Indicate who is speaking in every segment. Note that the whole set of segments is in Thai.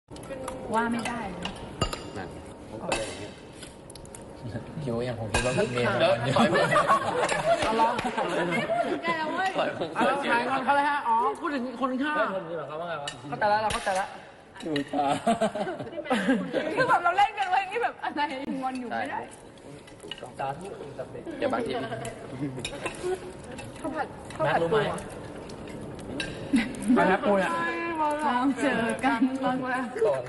Speaker 1: ว่าไม่ได้
Speaker 2: นั่นผมก็เลยอย่างเงี้ย
Speaker 3: คิวอย่างผมคิดว่าเมย์
Speaker 2: ถอยมือ
Speaker 1: เอาลองแกเว้ยเอาถ่ายคนเขาเลยฮะอ๋อพูดถึงคนข้างคนนี้เหรอเขาว่าไงวะเขาแต่ละเราเขาแต่ละ
Speaker 3: ดูช้า
Speaker 1: คือแบบเราเล่นกันเว้ยนี่แบบอะไรงอนอยู่ไม่ได้
Speaker 3: ตาที่สเปค
Speaker 2: อย่าบางที
Speaker 1: ข้าวผัดปูไปแล้วปูเนี่ยต้องเจอกันบ้างแล้ว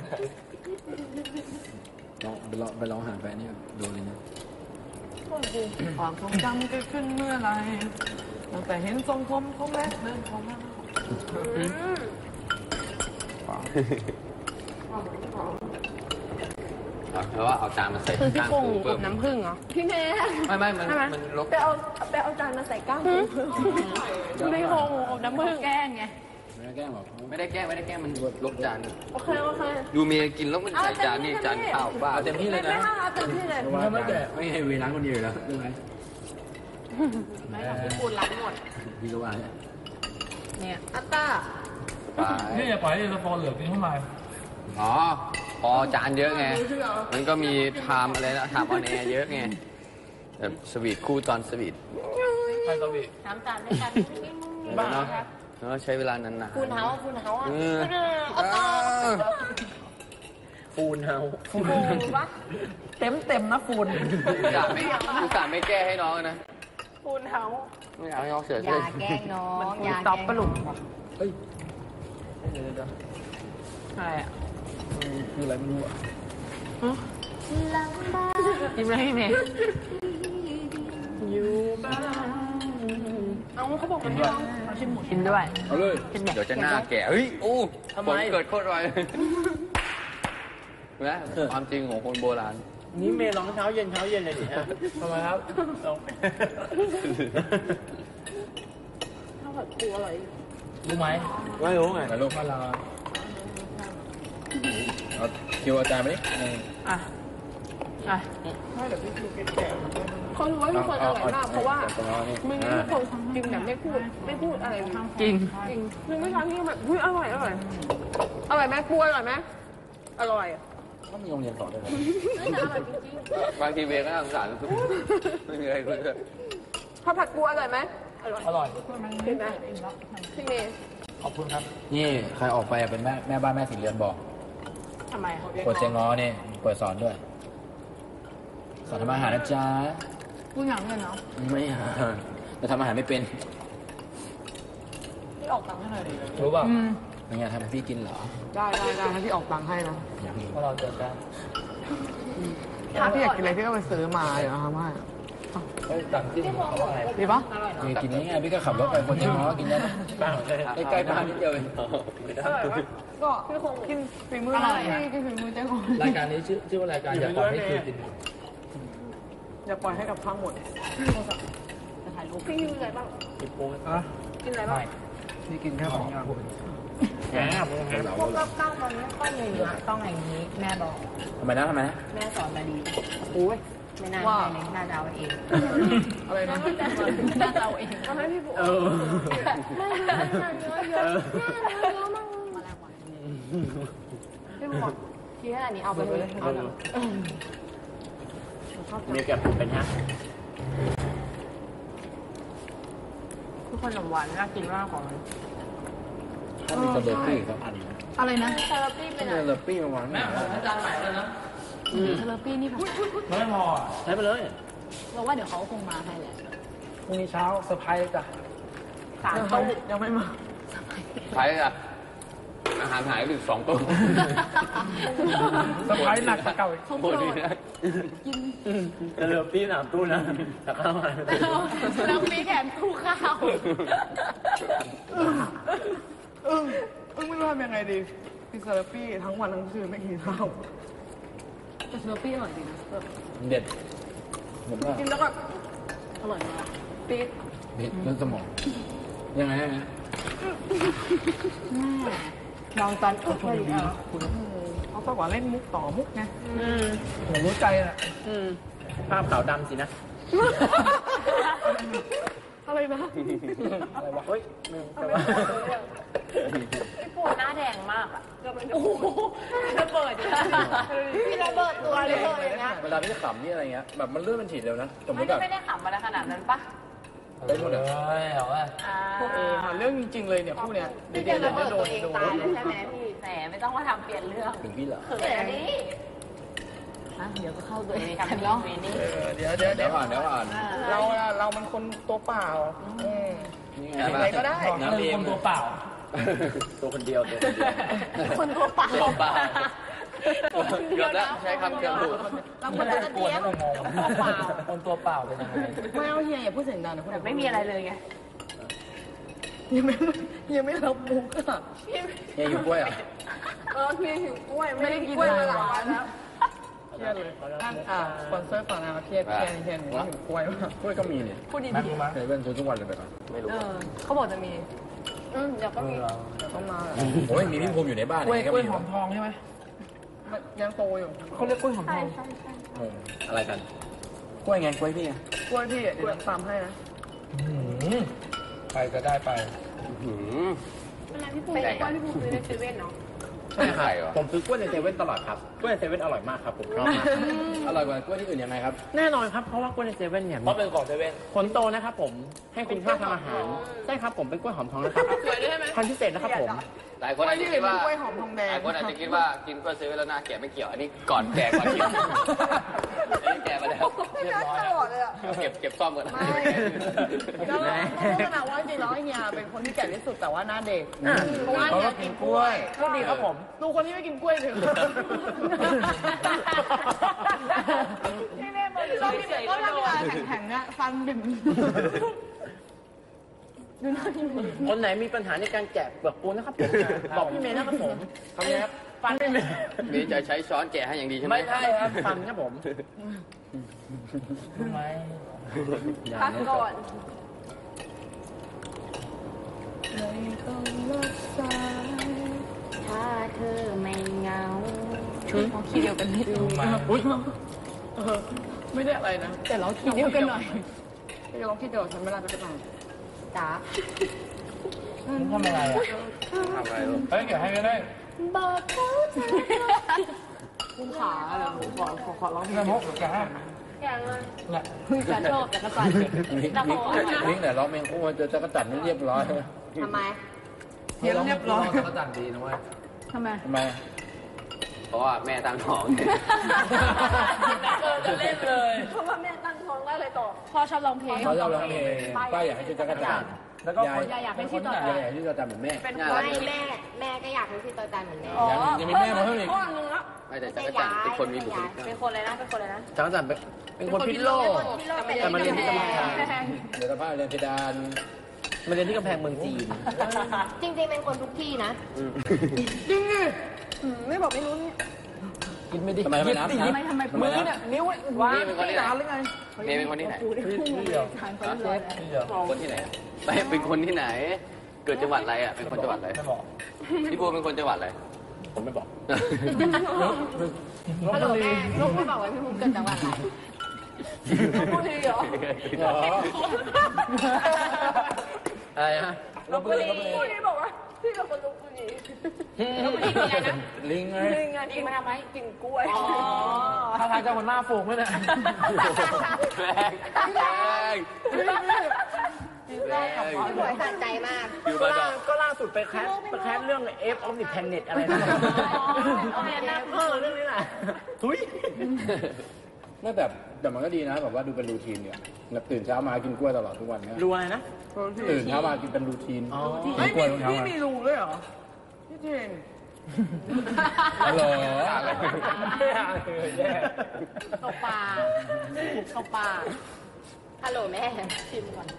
Speaker 3: ไปร้องหาแฟนนี่โดนเลยนะ
Speaker 1: ความทรงจำเกิดขึ้นเมื่อไรตั้งแต่เห็นทรงผมของแรกเดินเข้ามา
Speaker 2: เพราะว่าเอาจานมาใส่ก้างปูเพิ่ม
Speaker 4: น้ำผึ้งเหรอ
Speaker 2: พี่เมย์มันลบ
Speaker 4: ไปเอาจานมาใส่ก้างปูไม่คงน้ำผึ้ง
Speaker 1: แกล้งไง
Speaker 3: ไม่ได้แกล้งหรอก
Speaker 2: ไม่ได้แกล้งมันลบจาน
Speaker 4: โอเค
Speaker 2: ดูเมย์กินแล้วมันใส่จานนี่จานข้าวบ้า
Speaker 3: เต็มที่เลยนะ
Speaker 4: เต็มที่เลย
Speaker 3: ไม่ให้เวลาคนเดียวแล้วใช่ไหม
Speaker 4: ไม่ของพี่ปูนล้างหมด
Speaker 3: พี่ก็ว่า
Speaker 4: เนี่ยอัตตา
Speaker 5: นี่อย่าปล่อยให้สปอนเหลือกินเข้ามา
Speaker 2: อ๋อพอจานเยอะไงมันก็มีไทม์อะไรนะไทม์ออนแอร์เยอะไงแบบสวีทคู่ตอนสวีท
Speaker 5: ใครสวีท
Speaker 4: น้ำจานด้วยกัน
Speaker 2: บ้าเนาะใช้เวลานาน
Speaker 4: ๆฟูนเฮาอ่ะ
Speaker 3: ฟูนเฮา
Speaker 4: ปะ
Speaker 1: เต็มนะฟูน
Speaker 2: อุตส่าห์ไม่แก้ให้น้องนะ
Speaker 4: ฟูนเฮา
Speaker 2: ไม่เอาให้น้องเสียใจ
Speaker 4: อย่าแกล้งน้องอย่า
Speaker 1: ตอบปลุก
Speaker 3: เฮ้ย
Speaker 1: อะไรอ่ะ
Speaker 3: คืออะไรไม่รู้อ่ะ
Speaker 1: ยิ้มอะไรเมย์
Speaker 4: อยู่บ้านเอาเขาบอกมันไม่ร้องเขาชิมหมู
Speaker 1: กินด้วย
Speaker 3: เอาเลย
Speaker 2: เดี๋ยวจะหน้าแก่เฮ้ยโอ้ผลเกิดโคตรไวนะความจริงของคนโบราณ
Speaker 3: นี่เมย์ร้องเช้าเย็นเลยดิฮะ
Speaker 5: ทำไมครับ
Speaker 4: ข้าวผัดปูอร่อย
Speaker 5: รู้ไหม
Speaker 3: ไม่รู้ไง
Speaker 5: แต่ลูกมาลา
Speaker 3: เอาคิวอาจารย์ไปดิ
Speaker 4: ไม่เดี๋ยวพี่คิวแก่เขารู้ว่าทุกคนอร่อยมากเพราะว่ามึงทุกคนจริงแบบไม่พูดอะไร
Speaker 1: จริง
Speaker 4: มึงไม่ทำที่แบบอร่อยไหมปูอร่อยไหมอร่อย
Speaker 3: ก็มีโรงเรียนสอนด้วย
Speaker 4: ไม่อร่อยจริง
Speaker 2: บางทีเวรก็สงสารไม่มีอะไรคุยเลย
Speaker 4: ข้าวผัดปูอร่อยไหม
Speaker 5: อร่อย
Speaker 4: เห็นไหมพี่เมย์
Speaker 5: ขอบคุณครับ
Speaker 3: นี่ใครออกไปเป็นแม่บ้านแม่สีเรือนบอก
Speaker 4: ทำไม
Speaker 3: เปิดเจงง้อนี่เปิดสอนด้วยสอนทำอาหารนะจ๊ะ
Speaker 1: พูดอย่างเงี้ยเนาะ
Speaker 3: ไม่แต่ทำอาหารไม่เป็น
Speaker 4: พี่ออกตังค์ให้หน่อยดิ
Speaker 5: รู้ป่ะ
Speaker 3: เป็นไงทำให้พี่กินเหรอ
Speaker 1: ได้ให้พี่ออกตังค์ให้นะ
Speaker 5: เพราะเราเจอกัน
Speaker 1: ถ้าพี่อยากกินอะไรพี่ก็ไปซื้อมาเดี๋ยวทำให้
Speaker 5: ต่างที่เขาว่าไง
Speaker 1: ดีปะ
Speaker 3: มีกินง่ายๆพี่ก็ขับรถไปคนเจงง้อกินได้ใกล้บ้านนิดเดียวเอง
Speaker 1: ก็กินฝีมืออะไรกินฝีมือเจ้าของ
Speaker 5: รายการนี้ชื่อว่ารายการอย่าปล่อยให้คืนกิน
Speaker 1: อย่าปล่อยให้กับพังหมด
Speaker 4: จะถ่ายรูปพี่กินอะไรบ้าง
Speaker 5: กินปู
Speaker 4: กินอะไรบ้าง
Speaker 1: พี่กินแค่2 อย่าง
Speaker 4: พวกกับข้าวมันไม่ค่อยมีนะต้องอย่างนี้แม่บอก
Speaker 3: ทำไมนะ
Speaker 4: แม่สอนมาดีโอ้ยไม่น่าเลยน่าจะเอาเอง
Speaker 1: อะไรนะ
Speaker 4: น่าจะเอาเองทำให้พี่บุ๊ไม่เยอะมั่งมาแล้วพี่บุ๊กทีแค่อันนี้เอาไปเลย
Speaker 3: มีแกเป็นฮะ
Speaker 1: ทุกคนขนมหวานน่ากินมากของ
Speaker 3: ถ้ามีสเตอร์ปี้สักอัน
Speaker 1: อะไรนะ
Speaker 4: สเตอร์ปี้เป็นอะไร
Speaker 3: สเตอร์ปี้มาวาง
Speaker 5: แม่จานใหม่เลยนะ
Speaker 1: สเตอร์ปี้นี่ค่ะ
Speaker 5: ไม่พอ
Speaker 3: ใช้ไปเลย
Speaker 4: เราว่าเดี๋ยวเขาคงมาให้แหละ
Speaker 5: พรุ่งนี้เช้าเซอร์ไพรส์จ้ะ
Speaker 1: 3 โต๊ะยังไม่มา
Speaker 2: ใช่จ้ะอาหารหายไปอีก2 ตัว
Speaker 5: เซอร์ไพรส์หนักกว่าเก่าอีก
Speaker 2: โคตรดีนะ
Speaker 3: กินเหลือปี้3 ตู้นะแต่ข้าวมา
Speaker 4: แล้วมีแถมตู้ข้าว
Speaker 1: ไม่รู้ทำยังไงดีกินซาลาปี้ทั้งวันทั้งคืนไม่กินข้าว
Speaker 4: แต่ซาลาปี้อร่อยดีนะ
Speaker 3: เด็ด
Speaker 4: กินแล้วก็อร่อยมากปี๊ด
Speaker 3: เด็ดเรื่องสมองยังไง
Speaker 4: ลองตอนอบเลย
Speaker 1: เขาบอกว่าเล่นมุกต่อมุกไงผมรู้ใจแหละ
Speaker 3: ภาพขาวดำสินะ
Speaker 4: อะไรนะ
Speaker 3: อะไรวะเฮ้ย
Speaker 4: พี่ปูหน้าแดงมากอ่ะโอ้โหระเบิดพี่ระเบิดตัวเลยนะ
Speaker 3: เวลาพี่ขำนี่อะไรเงี้ยแบบมันเลื่อนเป็นฉีดเร็วนะสมมติแบบ
Speaker 4: ไม่ได้ขำมาขนาดนั้นปะ
Speaker 3: ได้หมดเลย
Speaker 5: เอาว่า
Speaker 1: หาเรื่องจริงๆเลยเนี่ยคู่เนี้ย
Speaker 4: พี่จะระเบิดตัวเองตายเลยใช่ไหมพี่แหมไม่ต้องมาทำเปลี่ยนเรื่อง
Speaker 3: ถึงพี่เหรอ
Speaker 4: เขินอันนี้เดี๋ยวก็เข้าตัวเองทำน้องนี่
Speaker 1: เดี๋ยว
Speaker 3: เดี๋ยวอ่าน
Speaker 1: เรามันคนตัวเปล่า
Speaker 3: นี่
Speaker 1: อะไรก็ได้
Speaker 3: น้ำเอง
Speaker 5: คนตัวเปล่า
Speaker 3: ตัวคนเดียวตัวคนเดียว
Speaker 4: คนตัวเปล่า
Speaker 2: ตัวเปล่าเกือบแล้วใช้คำเกือบถูก
Speaker 4: เราคนตัวเตี้ยตัวเปล่า
Speaker 5: คนตัวเปล่าเป็นยังไง
Speaker 1: ไม่เอาเฮียอย่าพูดเสียงดังนะ
Speaker 4: แบบไม่มีอะไรเลยไง
Speaker 1: ยังไม่รับมุกอ่ะ
Speaker 3: เฮียอยู่กล้วยอ่ะ
Speaker 4: พี่หิวกล้วย
Speaker 1: ไม่ได้กินเลยหลายวันแล้วเครียดเลยสปอนเซอร์ฝั่งนะครับเครียดหิวกล้วยมาก
Speaker 3: กล้วยก็มีเนี่ย
Speaker 1: พูดดี
Speaker 5: แม่รู้ไหม
Speaker 3: เซเว่นซื้อทุกวันเลยไปก่อน
Speaker 2: ไม่รู้
Speaker 1: เขาบอกจะมี
Speaker 4: เดี๋ยวก็มี
Speaker 1: ต้องมา
Speaker 3: โอ้ยมีพี่ภูมิอยู่ในบ้าน
Speaker 5: กล้วย
Speaker 3: ก็
Speaker 5: กล้วย
Speaker 3: มี
Speaker 5: หอมทองใช่ไหม
Speaker 1: ยังโตอยู่เขาเรียกกล้วยหอมทอง
Speaker 3: อะไรกันกล้วยไงกล้วยพี่ไง
Speaker 1: กล้วยพี่เดี๋ยวตามให้นะ
Speaker 5: ไปก็ได้ไป
Speaker 2: หืม
Speaker 4: เวลาพี่ปูกล้วยพี่ปูซื้อในเซเว่นเนาะ
Speaker 3: ใช่ครับ
Speaker 6: ผมซื้อกล้วยในเซเว่นตลอดครับกล้วยในเซเว่นอร่อยมากครับผมชอบมาก
Speaker 3: อร่อยกว่ากล้วยที่อื่นยังไงครับ
Speaker 6: แน่นอนครับเพราะว่ากล้วยในเซเว่นเนี่ย
Speaker 5: เพราะเป็นของเซเว่น
Speaker 6: ผลโตนะครับผมให้คุณค่าทางอาหารใช่ครับผมเป็นกล้วยหอมทองนะครับพันธุ์พิเศษนะครับผม
Speaker 2: หลายคนอาจจะคิดว่า
Speaker 1: กล้วยหอมทองแด
Speaker 2: ห
Speaker 1: ง
Speaker 2: ลายคนอาจจะคิดว่ากินกล้วยซื้อแล้วหน้าแก่ไม่เกี่ยว อันนี้ก่อนแก่ก่อนกินอันนี้แก่มาแล้วเรียบร้อยแล้วเก็บซ่อมก่อนนะ
Speaker 1: ก็ต้องพูดนะว่าจริงๆแล้วเฮียเป็นคนที่แก่ที่สุดแต่ว่าหน้าเด็กเพราะว่าเฮียกินกล้วย
Speaker 6: พูดดีครับผม
Speaker 1: ดูคนที่ไม่กินกล้วยถึง
Speaker 4: พี่แม่บอกชอบพี่เฉย
Speaker 1: ก็
Speaker 4: ก็
Speaker 1: ทำ
Speaker 4: โด
Speaker 1: เวน ลาแข็งๆอะฟันดึง
Speaker 6: คนไหนมีปัญหาในการแกะเปลือกปูนะครับผมบอกพี่เมย์นะครับผมทำไงครับฟันไม่เมย์
Speaker 2: มีจะใช้ช้อนแกะให้อย่างดีใช่ไหม
Speaker 6: ไม่ใช่ครับฟันครับผม
Speaker 5: รู้ไหม
Speaker 4: พักก่อน ถ้าเธอไม่เหงาของคีย์เดียวกันนิดนึง
Speaker 5: รู้ไหม
Speaker 1: ไม่ได้อะไรนะ แต่เราคิดเดียวกันหน่อยเราคิดเดียวฉันไม่ได้ไปไหน
Speaker 4: จ๋า
Speaker 5: มึงทำอะไรอ่ะ
Speaker 2: ทำอะไรลูก
Speaker 5: เฮ้ยเดี๋ยวให้ก็ได้
Speaker 4: บอกเขาเธอ
Speaker 1: คุ้มขาเลยขอร้อง
Speaker 5: น้ำมุกแกะ
Speaker 4: อย่างเลย
Speaker 5: เนี่ย
Speaker 4: กระโชกแต่กระสัน
Speaker 3: มิกเนี่ยร้องเพลงคู่จะกระจัดไม่เรียบร้อย
Speaker 4: ทำไม
Speaker 1: เรียบร้อย
Speaker 3: กระจัดดีนะเว้ย
Speaker 1: ทำไม
Speaker 3: ทำไม
Speaker 2: เพราะว่าแม่ตั้งท้อง
Speaker 5: จะเล่นเลย
Speaker 4: เพราะว่าแม่ตั้งท้องได้เลยต่อพ่อชอบร้องเพลง
Speaker 3: เขาจะร้องเพลงป้าอยากให้ชื่อจักรจันทร์
Speaker 5: แล้วก็
Speaker 1: ยายอยากให้ชื่อต่อ
Speaker 3: ยายอยากให้ชื่อจักรจันทร์เหมือนแม่
Speaker 4: เป็น
Speaker 2: น่า
Speaker 4: ค
Speaker 2: รั
Speaker 4: น
Speaker 2: ก
Speaker 4: แม่ก็อยากเป็นพี่ต่อจานเหมือนแม่
Speaker 3: ยังมีแม่มาเพิ่มอีก
Speaker 4: พ่อนึงแล้ว
Speaker 2: ไม่แต่จักรจันทร์เป็นคนมีบุคลิก
Speaker 4: เป็นคนเลยนะเป็นคนเลยนะ
Speaker 6: จักรจันทร์เป็นคนพิษโลก แต่มาเรียนที่กำแพง
Speaker 3: เดี๋ยวสภาพเรียนเพดาน
Speaker 6: มาเรียนที่กำแพงเมืองจีน
Speaker 4: จริงๆเป็นคนทุกที่นะ
Speaker 1: ไม่บอกไม่รู้นี่
Speaker 6: กินไม่ดี
Speaker 3: ทำไมไม่นับนะ
Speaker 1: ทำไมมือเนี่ยนิ้ว
Speaker 2: นี่เป็นคนที่ไหน
Speaker 1: หรือไง
Speaker 2: นี่เป็นคนที่ไหน
Speaker 5: ที่เดียวที่เดียว
Speaker 2: คนที่ไหนไม่เป็นคนที่ไหน เกิดจังหวัดอะไรอ่ะ เป็นคนจังหวัดอะไร
Speaker 5: ไม่บอก
Speaker 2: พี่บัวเป็นคนจังหวัดอะไร
Speaker 3: ผมไม่บอก
Speaker 4: ฮัลโหลแม่ลูกไม่บอกว่าพี่ภูมิเกิดจังหวัดอะไรพูดดีเหรอ
Speaker 6: อะไรฮะ
Speaker 4: ลพบุรีพูดดีบอกว่าพี่เป็นคนลพบุรีลพบุรีเป็นไงนะ
Speaker 3: ลิงไง
Speaker 4: กินมาทำไมกินกล้วย
Speaker 5: ถ้าทางจะมันหน้าฟูงด้วยนะ
Speaker 2: แรงแรง
Speaker 4: พี่บวยสะใจมาก
Speaker 2: อยู่บ้านเรา
Speaker 6: ก็ล่าสุดไปแคสเรื่อง F of the Planet อะไรนะเรื่องนี้แหละทุย
Speaker 3: ไม่แบบแต่มันก็ดีนะแบบว่าดูเป็นรูทีนเนี่ยแบบตื่นเช้ามากินกล้วยตลอดทุกวันเนี่ย
Speaker 6: รู้อะไรนะ
Speaker 3: ตื่นเช้ามากินเป็นรูทีน
Speaker 6: อ๋อ
Speaker 3: กินกล้วยทุกเช้า
Speaker 1: พี่
Speaker 3: มา
Speaker 1: มีรูด้วยเหรอพี่เจน
Speaker 3: ฮัลโหล
Speaker 4: ตกปลาตกปลาฮัลโหลแม่ชิมก่อน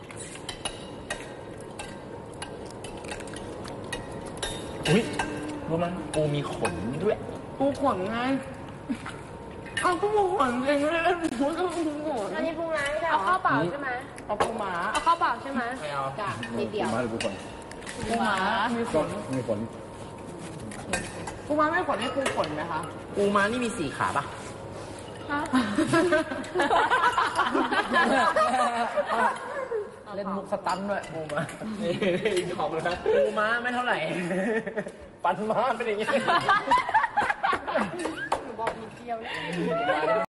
Speaker 5: อุ้ยรู้ไหมปูมีขนด้วย
Speaker 1: ปูขนไงเอาก็ปูขนเองเลยปูก็ปูขน
Speaker 4: อันนี้ปรุงร้านไม่ได้เอาข้าวเปล่าใช่ไหม
Speaker 1: เอาปูหมา
Speaker 4: เอาข้าวเปล่าใช่ไหม
Speaker 5: ไม่เอา
Speaker 4: จ้ะนิดเดียว
Speaker 3: มาหรือผู้คน
Speaker 1: ปูหมามีข
Speaker 3: ก็
Speaker 1: น
Speaker 3: มีผล
Speaker 1: ปูหมาไม่ขนให้ปูขนไหมคะ
Speaker 6: ปูม้านี่มี4 ขาป่ะ
Speaker 4: ฮะ
Speaker 1: เล่นมุกสตันด้วยปูมา
Speaker 6: นี่ของเลยนะปูม้าไม่เท่าไหร่ ปันม้าเป็นอย่างนี้
Speaker 4: หนูบอกมีเที่ยวแล้ว